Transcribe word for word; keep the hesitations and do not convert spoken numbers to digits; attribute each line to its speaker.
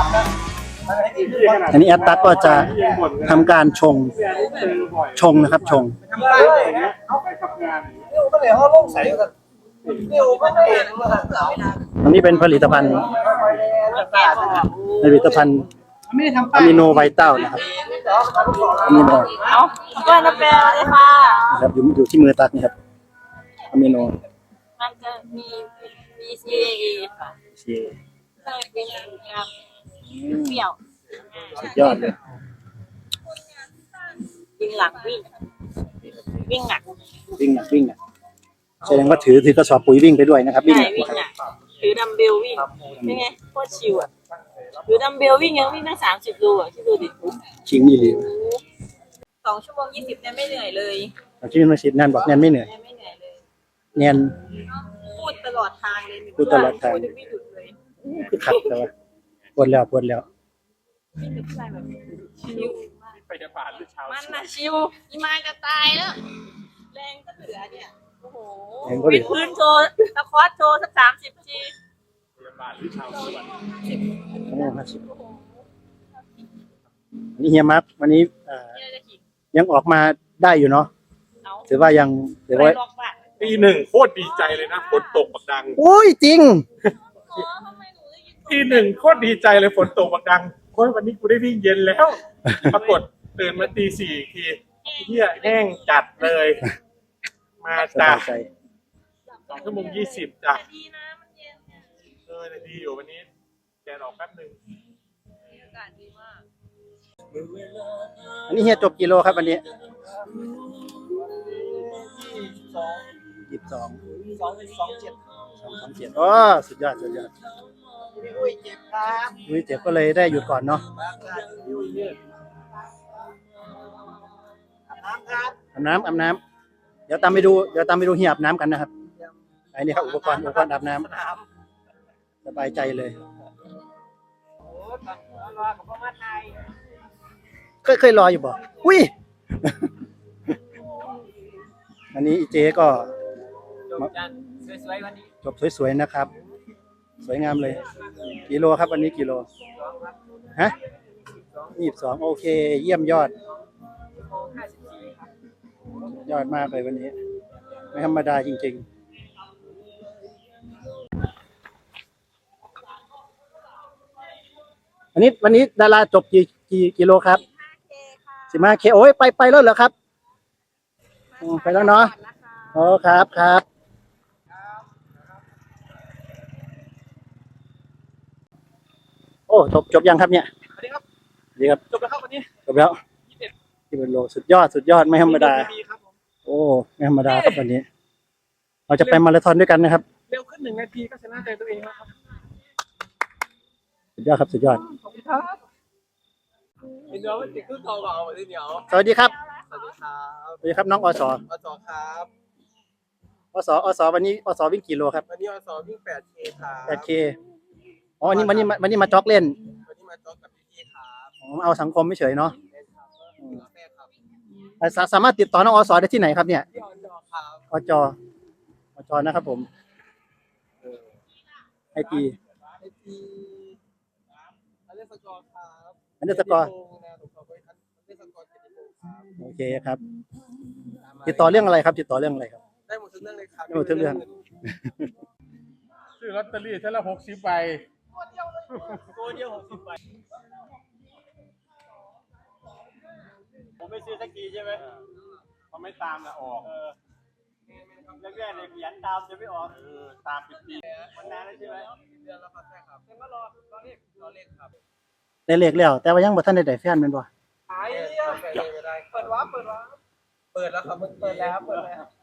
Speaker 1: อันนี้แอดตัดก็จะทำการชงชงนะครับชงอันนี้เป็นผลิตภัณฑ์ผลิตภัณฑ์อะมิโนไวต้านะครับอะมิโน
Speaker 2: เอาก็น้ำแปลเลยค่ะ
Speaker 1: นะครับอยู่อยู่ที่มือตัดนี่ครับอะมิโน
Speaker 2: มันจะมี บี ซี เอ ค่ะใช่เป็นครับเปรี้ยว
Speaker 1: สุดยอดเลย
Speaker 2: วิ่งหลังวิ่งวิ่งหนัก
Speaker 1: วิ่งหนักวิ่งหนักแสดงว่าถือถือกระสอบปุ๋ยวิ่งไปด้วยนะครับวิ่งหนัก
Speaker 2: ถือดัมเบลวิ่งเป็นไงโคตรชิวอ่ะถือดัมเบลวิ่งยังวิ่งตั้งสามสิบโลอ่ะที่ดูดิ
Speaker 1: ชิงนี่เลย
Speaker 2: สองชั่วโมงยี่สิบเนี่ยไม่เหนื่อยเลย
Speaker 1: ที่เป็นมาสิบแนนบอกแนนไม่เหนื่อย
Speaker 2: ไม่เหนื่อยเลย
Speaker 1: แนน
Speaker 2: พูดตลอดทางเลย
Speaker 1: พูดตลอดทาง
Speaker 2: ไม่หยุดเลย
Speaker 1: คือขัดแต่ว่าปวดแล้วปวดแล้ว
Speaker 2: ไม่หยุดอะไรแบบชิว
Speaker 3: ไปจะผ่านหรือเช้า
Speaker 2: มันน่ะชิวอีมาจะตายแล้วแรงก็เหลือเนี่ยโอ้โหวิดพื้นโชว์ตะคอสโชว์สักสามสิบที
Speaker 3: ไปจะผ่านหรือเช้าส่วน
Speaker 1: โอ้ห้าสิบนี่เฮียมักวันนี้ยังออกมาได้อยู่เนาะถือว่ายังถือว่า
Speaker 3: ปีหนึ่งโคตรดีใจเลยนะฝนตกบักดัง
Speaker 1: โอ้ยจริง
Speaker 3: ปีหนึ่งโคตรดีใจเลยฝนตกบักดังโค้ยวันนี้กูได้วิ่งเย็นแล้วปรากฏตื่นมาตีสี่ทีเหี้ยแห้งจัดเลยมาจ้าสองชั่วโมงยี่สิบจ้ะเออดีอยู่วันนี้แดดออกแป๊บหนึ่ง
Speaker 2: อากาศดีมาก
Speaker 1: อันนี้เฮียจบกิโลครับวันนี้ยี่สิบสองสองสองเจ็ดสองสองเจ็ดอ๋อสุดยอดสุดยอดอุ้ยเจ็บครับอุ้ยเจ็บก็เลยได้หยุดก่อนเนาะอาบน้ำอาบน้ำเดี๋ยวตามไปดูเดี๋ยวตามไปดูเฮียอาบน้ำกันนะครับไอ้นี่ครับอุปกรณ์อุปกรณ์อาบน้ำสบายใจเลยเคยเคยรออยู่บ่อุ้ยอันนี้อีเจก็จบสวยๆนะครับสวยงามเลยกิโลครับวันนี้กิโลฮะยี่สิบสองโอเคเยี่ยมยอดยอดมากเลยวันนี้ไม่ธรรมดาจริงๆอันนี้วันนี้ดาราจบกี่กี่กิโลครับสิบห้าเคโอ้ยไปไปแล้วเหรอครับไปแล้วเนาะโอ้ครับครับโอ้จบจบยังครับเนี่ย
Speaker 3: สวัสดีครับ
Speaker 1: ดีครับ
Speaker 3: จบแล้วครับวันนี้
Speaker 1: จบแล้วที่เป็นโลสุดยอดสุดยอดไม่ธรรมดาโอ้ไม่ธรรมดาครับวันนี้เราจะไปมาราธอนด้วยกันนะครับ
Speaker 3: เร็วขึ้นหนึ่งนาทีก็ชนะใจตัวเองแล้วครับ
Speaker 1: สุดยอดครับสุดยอด
Speaker 3: ขอบคุณครับเดี๋ยวมันติดขึ้นต่อเบาๆเลยเดี๋ยว
Speaker 1: สวัสดีครับ
Speaker 3: สวัสดีครับ
Speaker 1: สวัสดีครับน้องอสอ
Speaker 3: สครับ
Speaker 1: อสอสวันนี้อสวิ่งกี่โลครับ
Speaker 3: วันนี้อสวิ่งแปดเคครับ
Speaker 1: แปดเคอ๋อวันนี้วันนี้วันนี้มาจ็อกเล่น
Speaker 3: วันนี้มาจ็อกกับพี่ๆครับ
Speaker 1: เอาสังคมไม่เฉยเนาะสามารถติดต่อน้องอสได้ที่ไหนครับเนี่ย
Speaker 3: ที่อจครับ
Speaker 1: อจอจนะครับผมไอจี
Speaker 3: ไอจีอันเดอร์สกอร์ครับ
Speaker 1: อันเดอร์สกอร์โอเคครับติดต่อเรื่องอะไรครับติดต่อเรื่องอะไรครับ
Speaker 3: ได้หมดทุกเรื่องเลยครับ
Speaker 1: ได้หมดทุกเรื่อง
Speaker 3: ซื้อลอตเตอรี่เท่าละหกสิบใบ
Speaker 2: ตัวเดียวหกสิบใบผมไม่ซื้อสักทีใช่ไหม
Speaker 3: เขาไม่ตามนะออก
Speaker 2: แรกๆเลยขยันตามจะไม่ออก
Speaker 3: ตามปี
Speaker 2: มันนานแล้วใช่ไหม
Speaker 3: เดือนละครับใช่ครับเดือนละรอรอเลขรอเลขครับ
Speaker 1: ได้เลขแล้วแต่ว่ายังบ่ทันได้ได้แฟนแม่นบ่
Speaker 3: ไอ้เปิดวาร์ปเปิดวาร์ปเปิดแล้วครับเปิดแล้วเปิดแล้ว